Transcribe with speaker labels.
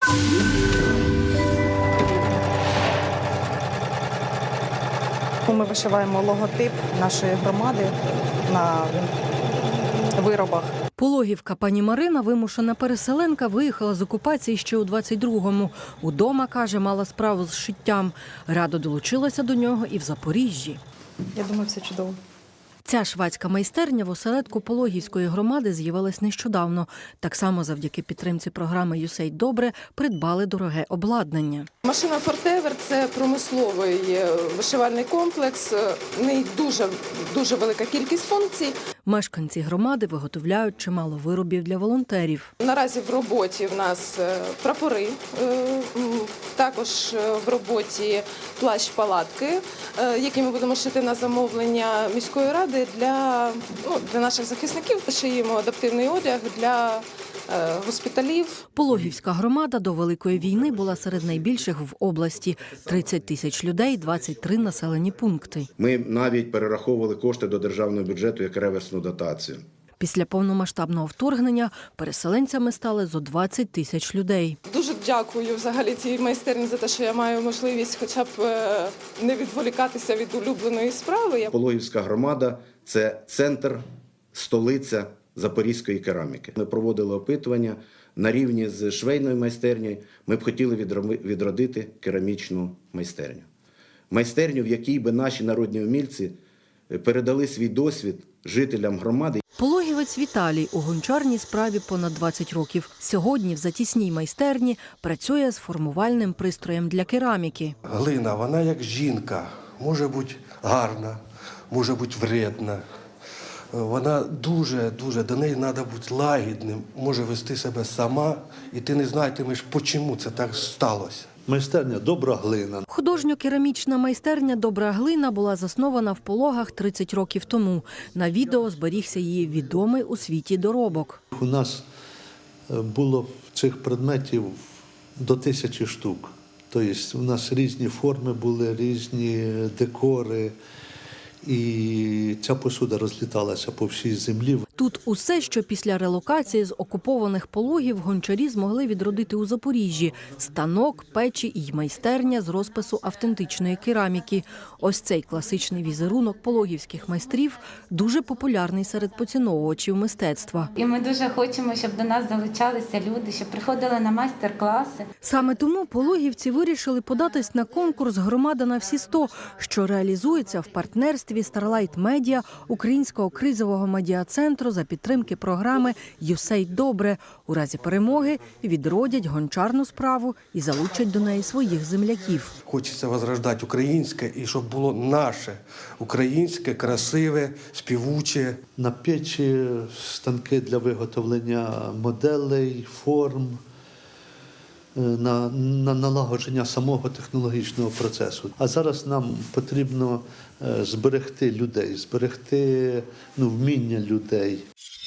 Speaker 1: Ми вишиваємо логотип нашої громади на виробах.
Speaker 2: Пологівка пані Марина, вимушена переселенка, виїхала з окупації ще у 22-му. Удома, каже, мала справу з шиттям. Радо долучилася до нього і в Запоріжжі.
Speaker 1: Я думаю, все чудово.
Speaker 2: Ця швадська майстерня в осередку Пологівської громади з'явилась нещодавно. Так само завдяки підтримці програми «USAID Добре» придбали дороге обладнання.
Speaker 3: Машина «Фортевер» – це промисловий вишивальний комплекс, в неї дуже велика кількість функцій.
Speaker 2: Мешканці громади виготовляють чимало виробів для волонтерів.
Speaker 3: Наразі в роботі в нас прапори, також в роботі плащ-палатки, які ми будемо шити на замовлення міської ради для наших захисників. Шиємо адаптивний одяг для госпіталів.
Speaker 2: Пологівська громада до Великої війни була серед найбільших в області. 30 тисяч людей, 23 населені пункти.
Speaker 4: Ми навіть перераховували кошти до державного бюджету як реверсну дотацію.
Speaker 2: Після повномасштабного вторгнення переселенцями стали зо 20 тисяч людей.
Speaker 3: Дуже дякую взагалі цій майстерні за те, що я маю можливість хоча б не відволікатися від улюбленої справи.
Speaker 4: Пологівська громада – це центр, столиця запорізької кераміки. Ми проводили опитування на рівні з швейною майстернею. Ми б хотіли відродити керамічну майстерню. Майстерню, в якій би наші народні умільці передали свій досвід жителям громади.
Speaker 2: Пологівець Віталій у гончарній справі понад 20 років. Сьогодні в затісній майстерні працює з формувальним пристроєм для кераміки.
Speaker 5: Глина, вона як жінка, може бути гарна, може бути вредна. Вона дуже, до неї треба бути лагідним, може вести себе сама, і ти не знатимеш, чому це так сталося.
Speaker 6: Майстерня «Добра глина».
Speaker 2: Художньо-керамічна майстерня «Добра глина» була заснована в Пологах 30 років тому. На відео зберігся її відомий у світі доробок.
Speaker 6: У нас було цих предметів до 1000 штук. Тобто у нас різні форми були, різні декори. І ця посуда розліталася по всій землі.
Speaker 2: Тут усе, що після релокації з окупованих Пологів гончарі змогли відродити у Запоріжжі – станок, печі і майстерня з розпису автентичної кераміки. Ось цей класичний візерунок пологівських майстрів дуже популярний серед поціновувачів мистецтва.
Speaker 7: І ми дуже хочемо, щоб до нас залучалися люди, щоб приходили на майстер-класи.
Speaker 2: Саме тому пологівці вирішили податись на конкурс «Громада на всі 100», що реалізується в партнерстві Starlight Media, Українського кризового медіа-центру за підтримки програми «USAID Добре». У разі перемоги відродять гончарну справу і залучать до неї своїх земляків.
Speaker 5: Хочеться возрождати українське і щоб було наше, українське, красиве, співуче.
Speaker 6: На печі станки для виготовлення моделей, форм, на налагодження самого технологічного процесу. А зараз нам потрібно зберегти людей, зберегти вміння людей.